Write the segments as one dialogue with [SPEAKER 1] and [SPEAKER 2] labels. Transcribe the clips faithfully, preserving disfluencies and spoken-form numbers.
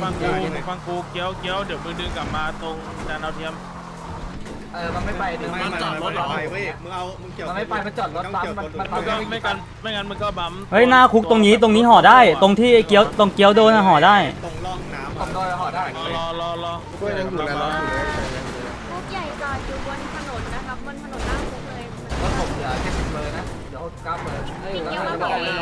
[SPEAKER 1] ฟังกูฟังกูเกี้ยวเกี้ยวเดี๋ยวมือดึงกลับมาตรงจานดาวเทียม
[SPEAKER 2] เออมันไม่ไปดิมันจอดรถหรอเว้ยมึงเอามึงเกี่ยวมันไม่ไปมันจอดรถปั๊มมันมันก็
[SPEAKER 1] ไม่กันไม่งั้นมันก็บัม
[SPEAKER 3] เฮ้ยหน้าคุกตรงนี้ตรงนี้ห่อได้ตรงที่เกี้ยวตรงเกี้ยวโดนห่อได้
[SPEAKER 2] ตรงร่องน้ำผมโดนห่อได้
[SPEAKER 1] รอรอรอ
[SPEAKER 4] ก็ยังอยู่แล้ว
[SPEAKER 5] คุกใหญ่จอดอยู่บนถนนนะครับบนถนนหน้าคุกเลย
[SPEAKER 2] รถผมเหลือแค่สิบเบอร์นะเดี๋ยวเก้าเบอร์
[SPEAKER 5] พี่เกียวมาบอกเลย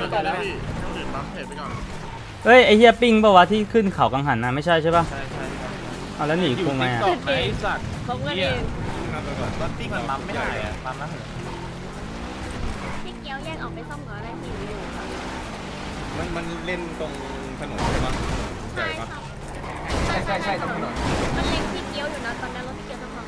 [SPEAKER 3] เฮ้ยไอเฮียปิ้งป่าวะที่ขึ้นเขากังหันนะไม่ใช่ใช่ป่ะ
[SPEAKER 1] ใช่ใช่
[SPEAKER 3] เอาแล้วหนีคุงไงอ่ะ
[SPEAKER 1] ไอสัตว์
[SPEAKER 5] เขาเงินเอง
[SPEAKER 1] รถติ้งมันปั๊มไม่ได้อะปั๊มนะ
[SPEAKER 5] พี่เกียวแยกออกไปซ่อมก่อนอะไรที่อยู่ค่ะ
[SPEAKER 4] มันมันเล่นตรงถนนใช่ปะ
[SPEAKER 5] ใช่ครับ
[SPEAKER 2] ใช่ใช่ใช่ตรงถนน
[SPEAKER 5] มันเล็งพี่เกียวอยู่นะตอนนั้นรถพี่เกียวต้องฟัง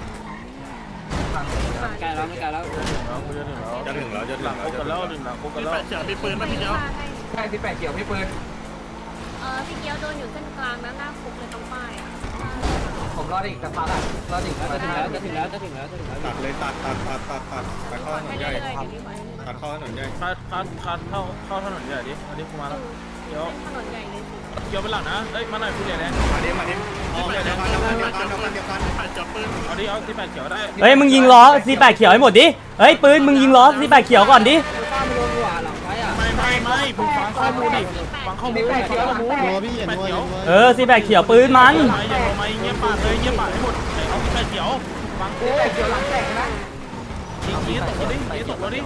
[SPEAKER 2] ใกล้แล้วไม่ไกลแล้ว
[SPEAKER 4] จะถึงแล้วจะถึงแล้ว
[SPEAKER 1] คุกกันแล้วดึงหลังคุกกันแล้ว
[SPEAKER 6] เฉียวมีปืนไหมพี่เกียว
[SPEAKER 2] ใช่ที่แปะเกี่ยวพี่ปืน
[SPEAKER 5] เออพี่เกียวโดนอยู่เส้นกลางนะหน้าคุกเลยตรงป้ายอ่ะ
[SPEAKER 2] ผมรออีกสักพักอ่ะรออีกจะถึงแล้วจะถึงแล้วจะถึงแล้วจะถึงแล้ว
[SPEAKER 4] ตัดเลยตัดตัดตัดตัดตัดตัดเข้าถนนใหญ่ตัดเข้าถนนใหญ่
[SPEAKER 1] คัดคัดคัดเข้าเข้าถนนใหญ่ดิอันนี้กูมาแล้วเดี๋ยว
[SPEAKER 5] ถนนใหญ่เลยสิ
[SPEAKER 1] เกี่ยวเป็นหลังนะเอ้ยมาหน่อยพี่เหลียแดง
[SPEAKER 4] มาดิมาดิอ๋อเดี๋ยวกันเดี๋ยวกันเดี๋ยวกันเดี๋ยวกันเดี๋ยวกัน
[SPEAKER 6] จับปืน
[SPEAKER 1] เอาดิเอาที่แปดเขียวได้
[SPEAKER 3] เฮ้ยมึงยิงล้อซีแปดเขียวให้หมดดิเฮ้ยปืนมึงยิงล้อซีแปดเขียวก่อนดิ
[SPEAKER 1] ไม่ไม่ไม่ผมฟังข้อมูลดิฟังข้อมูลฟังข้อมูลพี่แปดเขียว
[SPEAKER 3] เออซีแปดเขียวปืนมัน
[SPEAKER 1] อย่าลงมาเงียบปากเลยเงียบปากให้หมดเอาที่แปดเขียวฟังกู
[SPEAKER 2] แปะเกี่ยวหลังแตกนะ
[SPEAKER 1] ยิงยิงตกรถดิยิงตกรถดิ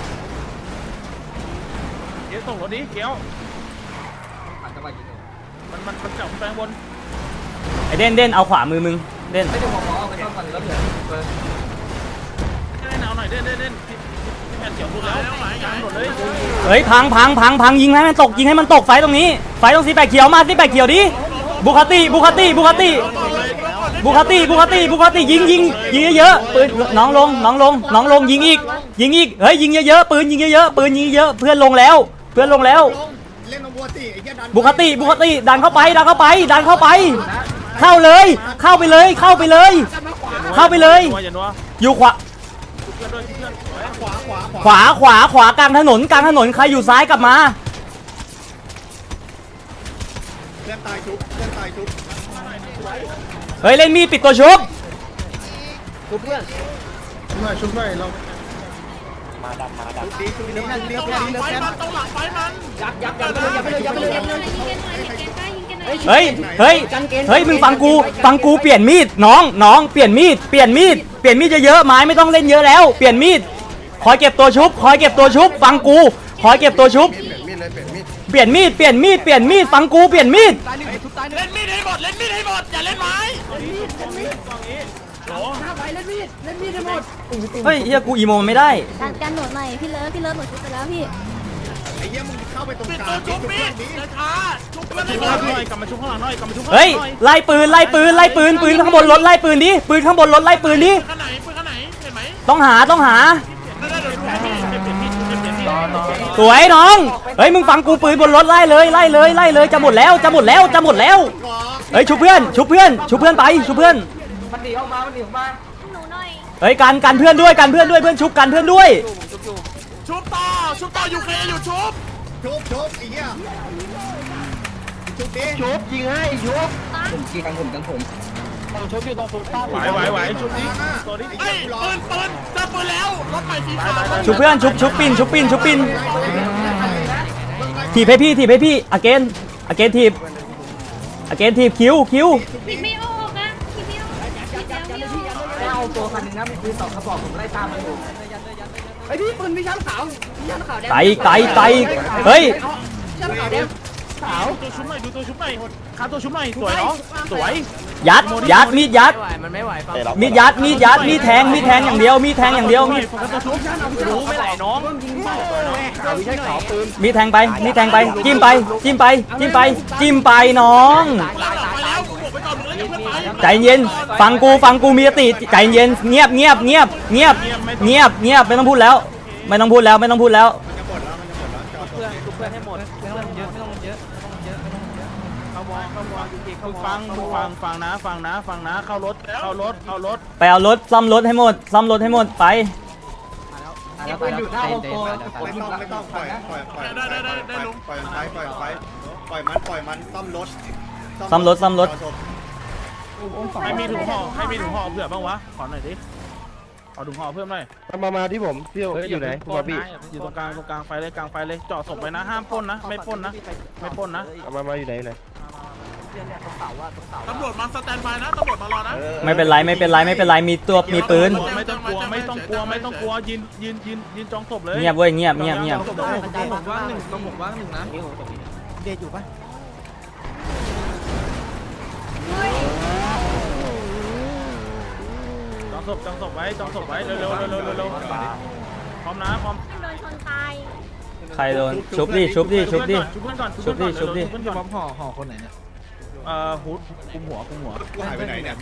[SPEAKER 1] ยิงตกรถดิเกี้ยวมันมันมันจับแปลงบน
[SPEAKER 3] ไอเด่นเด่นเอาขวามือมึงเด่น
[SPEAKER 2] ไม่ได้บอกเอาไปซ่อมก่อนรถเหลือเบอร์
[SPEAKER 1] เด่นเอาหน่อยเด่นเด่นเด่นที่ที่แผ่นเขียวพูดแล้วกลางหมดเลย
[SPEAKER 3] เฮ้ยพังพังพังพังยิงให้มันตกยิงให้มันตกไฟตรงนี้ไฟตรงซีแปดเขียวมาซีแปดเขียวดิบุคติบุคติบุคติบุคติบุคติบุคติยิงยิงยิงเยอะๆปืนน้องลงน้องลงน้องลงยิงอีกยิงอีกเฮ้ยยิงเยอะๆปืนยิงเยอะๆปืนยิงเยอะเพื่อนลงแล้วเพื่อนลงแล้ว
[SPEAKER 4] เล่นบุคติไอ้แค่ดัน
[SPEAKER 3] บุคติบุคติดันเข้าไปดันเข้าไปดันเข้าไปเข้าเลยเข้าไปเลยเข้าไปเลยเข้าไปเลยอยู่ขวาขวาขวาขวากลางถนนกลางถนนใครอยู่ซ้ายกลับมา
[SPEAKER 4] เพื่อนตายชุบเพื่อนตายชุบ
[SPEAKER 3] เฮ้ยเล่นมีดปิดตัวชุบ
[SPEAKER 2] ชุบเพื่อน
[SPEAKER 4] ชุบหน่อยชุบหน่อยเรา
[SPEAKER 2] มาดำมาดำ
[SPEAKER 4] ดีชุบดีเรียบ
[SPEAKER 6] หลังไฟมันต้องหลังไฟมัน
[SPEAKER 2] ยักยักยักไปเลยยักไปเลยยักไปเลยยักไปเลย
[SPEAKER 3] เฮ้ยเฮ้ยเฮ้ยมึงฟังกูฟังกูเปลี่ยนมีดน้องน้องเปลี่ยนมีดเปลี่ยนมีดเปลี่ยนมีดเยอะๆไม้ไม่ต้องเล่นเยอะแล้วเปลี่ยนมีดคอยเก็บตัวชุบคอยเก็บตัวชุบฟังกูคอยเก็บตัวชุบเปลี่ยนมีดเปลี่ยนมีดเปลี่ยนมีดฟังกูเปลี่ยนมีด
[SPEAKER 6] เล่นมีดให้หมดเล่นมีดให้หมดอย่าเล่นไม้
[SPEAKER 3] เฮ้ยเฮียกูอีโมไม่ได้
[SPEAKER 5] การการหนุนหน่อยพี่เลิฟพี่เลิฟหนุนชุบไปแล้วพี่
[SPEAKER 4] ไอ้เหี้ยมึงเข้าไปตรง
[SPEAKER 6] ปิด
[SPEAKER 4] กลา
[SPEAKER 6] ตัว
[SPEAKER 4] ง
[SPEAKER 6] ชุบมีดอย่าช้าชุบเพื่อน
[SPEAKER 1] ชุ
[SPEAKER 6] ให้
[SPEAKER 1] บ
[SPEAKER 6] หมด
[SPEAKER 1] หน่อยกลับมาชุบข้างหลังหน่อยกลับมาชุบข้างหลัง
[SPEAKER 3] เฮ้ยไล่ปืนไล่ปืนไล่ปืนปืนข้างบนรถไล่ปืนดิปืนข้างบนรถไล่ปืนดิ
[SPEAKER 6] ข้างไหนปืนข้างไหนเห็นไหม
[SPEAKER 3] ต้องหาต้องหาสวยน้องเฮ้ยมึงฟังกูปืนบนรถไล่เลยไล่เลยไล่เลยจะหมดแล้วจะหมดแล้วจะหมดแล้วเฮ้ยชุบเพื่อนชุบเพื่อนชุบเพื่อนไปชุบเพื่อน
[SPEAKER 2] มันหนีออกมามันหนีออกมา
[SPEAKER 5] หนูหน่อย
[SPEAKER 3] เฮ้ยกันกันเพื่อนด้วยกันเพื่อนด้วยเพื่อนชุบกันเพื่อนด้วย
[SPEAKER 6] ชุบต่อชุบต่ออยู่เคอยู่ชุบ
[SPEAKER 4] ชุบชุบไอ้เหี้ยชุบดิ
[SPEAKER 2] ชุบยิงให้ชุบผมยิงกันผมกันผมต้องชุบอยู่ตรงฟุตป้า
[SPEAKER 1] ไหวไหวไหวชุบดิตัวนี้
[SPEAKER 6] ไอ้ปืนปืนเจอปืนแล้วรถใหม่สีขาว
[SPEAKER 3] ชุบเพื่อนชุบชุบปินชุบปินชุบปินถีบให้พี่ถีบให้พี่อเกนอเกนถีบอเกนถีบคิวคิว
[SPEAKER 5] พี่ไม่ออกนะพี่ไม่ออกพี่ไม่ออก
[SPEAKER 2] ไม่เอาตัวคันนึงนะมีปืนสองกระบอกผมไล่ตามมันอยู่ไอ้พี่ปืนมีชั้นขาวมีชั้นขาวแดง
[SPEAKER 3] ไตไตไตเฮ้ย
[SPEAKER 2] ชั้นขาวแดงขาว
[SPEAKER 1] ตัวชุบหน่อยดูตัวชุบหน่อยขาตัวชุบหน่อยสวยเนาะสวย
[SPEAKER 3] ยัดยัดมีดยัด
[SPEAKER 2] มันไม่ไหว
[SPEAKER 3] มีดยัดมีดยัดมีดแทงมีดแทงอย่างเดียวมีดแทงอย่างเดียวมีด
[SPEAKER 1] รู้ไม่ไหลน้อง
[SPEAKER 3] มีดแทงไปมีดแทงไปจิ้มไปจิ้มไปจิ้มไปจิ้มไปน้องใจเย็นฟังกูฟังกูมีสติใจเย็นเงียบเงียบเงียบเงียบเงียบเงียบไม่ต้องพูดแล้วไม่ต้องพูดแล้วไม่ต้องพูดแล้ว
[SPEAKER 2] เพื่อนเพื่อนให้หมดเพื่อนเยอะไม่ต้องเยอะเยอะ
[SPEAKER 1] เข้าวงเข้าวงมึงฟังมึงฟังฟังนะฟังนะฟังนะเข้ารถเข้ารถเข้ารถ
[SPEAKER 3] ไปเอารถซ่อมรถให้หมดซ่อมรถให้หมดไป
[SPEAKER 2] แล้วไปอยู่หน้าโฮมโปร
[SPEAKER 4] ไม่ต้องไม่ต้องปล่อยปล่อยปล่อยปล่อยปล่อยปล่อยปล่อยปล่อยปล่อยมันปล่อยมันซ่อมรถ
[SPEAKER 3] ซ่อมรถซ่อมรถ
[SPEAKER 1] ใครมีถุงห่อใครมีถุงห่อเผื่อบ้างวะขอหน่อยดิขอถุงห่อเพิ่มหน่อย
[SPEAKER 7] มามาที่ผมพี่อยู่ไหน
[SPEAKER 1] ปล้นนะอยู่ตรงกลางตรงกลางไฟเลยกลางไฟเลยจ่อศพไว้นะห้ามปล้นนะไม่ปล้นนะไม่ปล้นนะ
[SPEAKER 7] มามาอยู่ไหนไหน
[SPEAKER 6] ตำรวจมาสแตนบายนะตำรวจมารอนะ
[SPEAKER 3] ไม่เป็นไรไม่เป็นไรไม่เป็นไรมีตัวมีปืน
[SPEAKER 1] ไม่ต้องกลัวไม่ต้องกลัวไม่ต้องกลัวยืนยืนยืนยืนจองศพเลย
[SPEAKER 3] เงียบเว้ยเงียบเงียบเงียบ
[SPEAKER 1] ต้องผมว่างหนึ่งต้องผมว่างหนึ่งนะ
[SPEAKER 2] เดทอยู่ปะ
[SPEAKER 1] จองศพจองศพไว้จองศพไว้เร็วเร็วเร็วเร็วเร็วพร้อมนะพร้อม
[SPEAKER 5] โดนชนตาย
[SPEAKER 3] ใครโดนชุบดิชุบดิชุบดิ
[SPEAKER 1] ชุบเพื่อนก่อน
[SPEAKER 3] ชุบดิชุบดิ
[SPEAKER 1] เพื่อนก่อนห่อห่อคนไหนเนี่ยเอ่อฮูดคุมหัวคุมหัว
[SPEAKER 4] กูหายไปไหนเนี่ย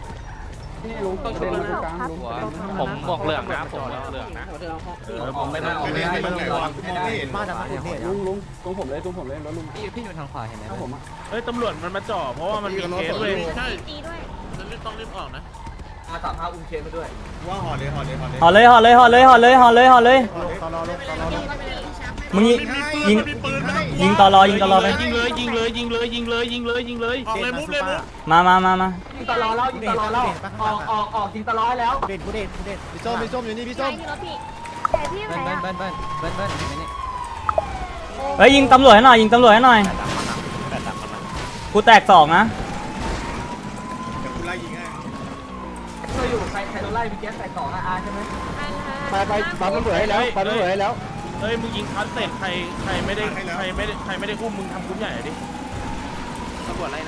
[SPEAKER 1] ผมบอกเหลืองนะผมบอกเหลืองนะเออผมไม่ได้
[SPEAKER 4] ไม่ได้ไม่ได้วะกูมองไม่เห็น
[SPEAKER 2] มาจากไหนลุงลุงตรงผมเลยตรงผมเลยแล้วลุง
[SPEAKER 8] พี่อยู่ทางขวาเห็นไหม
[SPEAKER 2] ผมอ่ะ
[SPEAKER 1] เฮ้ยตำรวจมันมาจ่อเพราะว่ามันมีเคสเว้ย
[SPEAKER 6] ใช่
[SPEAKER 5] ตีด้วย
[SPEAKER 6] จะรีบต้องรีบออกนะ
[SPEAKER 2] อาสามห้าอุ้มเคสมาด้วย
[SPEAKER 4] ว่าห่อเลยห่อเลยห่อเลย
[SPEAKER 3] ห่อเลยห่อเลยห่อเลยห่อเลยห่อเลยห่อเลย
[SPEAKER 4] ตลอดตลอด
[SPEAKER 3] มึงยิง
[SPEAKER 6] ยิ
[SPEAKER 3] ยิ
[SPEAKER 6] ง
[SPEAKER 3] ง
[SPEAKER 6] มีปืนไม่ต้องกลัว
[SPEAKER 3] ยิงตอรอยิงตอรอไป
[SPEAKER 1] ยิงเลยยิงเลยยิงเลยยิงเลยยิงเลยยิงเลยยิงเลย
[SPEAKER 6] ออกเลยมุกเลยมุก
[SPEAKER 3] มามามามา
[SPEAKER 2] ยิงตลอดแล้วยิงตลอดแล้วออกออกออกยิงตลอดแล้ว
[SPEAKER 7] เด่นกูเด่นกูเด่นพี่ส้มพี่ส้มอยู่นี่พี่
[SPEAKER 5] ใช่
[SPEAKER 7] ส้ม
[SPEAKER 5] ที่รถพี่แต่พี่ไหน
[SPEAKER 8] เบิ้ล
[SPEAKER 5] อะ
[SPEAKER 8] เบิ้ลเบิ้ลเบิ้ลเบิ้ลเบิ้ลเห็นไหมนี่
[SPEAKER 3] เฮ้ยยิงตำรวจให้หน่อยยิงตำรวจให้หน่อยกูแตกสองนะ
[SPEAKER 4] เดี๋ยวกูไล่ยิงให้
[SPEAKER 2] เราอยู่ใครใครโดนไล่พี่แก๊สใส่สองอาใช่ไหม
[SPEAKER 7] ไปไปปั๊มตำรวจให้แล้วปั๊มตำรวจให้แล้ว
[SPEAKER 1] เฮ้ยมึงยิงคัสเสร็จใครใครไม่ได้ใครไม่ได้ใครไม่ได้อุ้มมึงทำคุ้มใหญ่ดิตำรวจอะไรนะ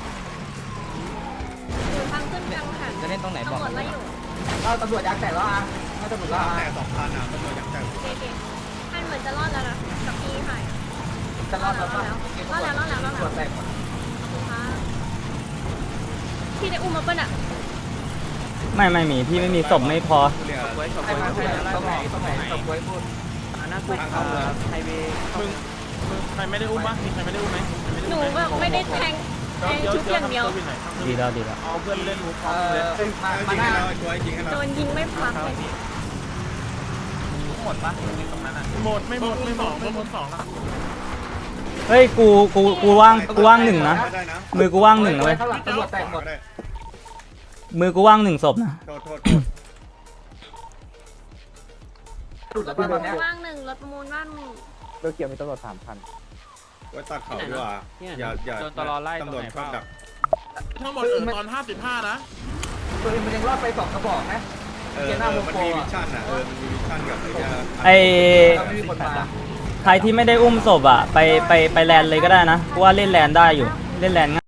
[SPEAKER 5] อยู่ทางขึ้นทางหัน
[SPEAKER 8] จะเล่นตรงไหนบอก
[SPEAKER 5] ตำรวจไล่อยู่
[SPEAKER 2] เราตำรวจยางแตกแล้วอ่ะไม่ตำรวจแล้ว
[SPEAKER 4] แต่
[SPEAKER 2] อ่ะ
[SPEAKER 4] สองพันอ่ะตำรวจยังแต่
[SPEAKER 5] เด็กๆท่านเหมือนจะรอดแล้วนะกับพี่ค่ะ
[SPEAKER 2] จะรอดแล้ว
[SPEAKER 5] รอดแล้วรอดแล้วรอดแล้วรอด
[SPEAKER 2] ตำร
[SPEAKER 5] แล้ว ว
[SPEAKER 2] จแตกหมด
[SPEAKER 5] พี่ได้อุ้มมาปะน่ะ
[SPEAKER 3] ไม่ไม่มีพี่ไม่มีศพไม่พอ
[SPEAKER 4] เรียก
[SPEAKER 2] ใครมาพูดตรงไหนตรงไหนตรงไหนพูด
[SPEAKER 4] ทางเข้าเลย
[SPEAKER 1] มึงมึงใครไม่ได้อุ้มบ้างมีใครไม่ได้อุ้มไหม
[SPEAKER 5] หนูแบบไม่ได้แทงแทงชุดอย่างเดียว
[SPEAKER 3] ดีแล้วดีแล้ว
[SPEAKER 1] เอาเพื่อนเล่นมุก
[SPEAKER 2] เออมา
[SPEAKER 4] ยิ
[SPEAKER 2] มาง ห
[SPEAKER 4] ให้
[SPEAKER 2] น้า
[SPEAKER 4] เราช่วยยิงให้เรา
[SPEAKER 5] โดนยิงไม่พักเลย
[SPEAKER 1] หมดปะตรงนั้นอ่ะหมดไม่หมดไม่หมดไม่หมดสองแล้ว
[SPEAKER 3] เฮ้ยกูกูกูว่างกูว่างหนึ่งนะ
[SPEAKER 4] ได้นะ
[SPEAKER 3] มือกูว่างหนึ่งนะเว้ย
[SPEAKER 2] ข้างหลังตำรวจแตกหมด
[SPEAKER 4] ได้
[SPEAKER 3] มือกูว่างหนึ่งศพนะ
[SPEAKER 4] โทษโทษ
[SPEAKER 2] หลุดแล้วป่ะตอนเนี้ย
[SPEAKER 5] ว่างหนึ่งรถประมูลว่างหนึ่ง
[SPEAKER 7] เรือเกี่ยวมีตำรวจสามพัน
[SPEAKER 4] ไว้ตัดเขาดีกว่าอย่าอย่าตำรวจชอบดัก
[SPEAKER 6] ทั้งหมดเออตอนห้าสิบห้านะ
[SPEAKER 2] ตัวเองมันยังรอดไปสองกระบอกนะ
[SPEAKER 4] เออมันมีวิชั่นอ่ะเออมันมีวิชั่นกับไอ้ยา
[SPEAKER 3] ไอ
[SPEAKER 2] เราไม่มีคนมา
[SPEAKER 3] ใครที่ไม่ได้อุ้มศพอ่ะไปไปไปแลนเลยก็ได้นะกูว่าเล่นแลนได้อยู่เล่นแลนง่าย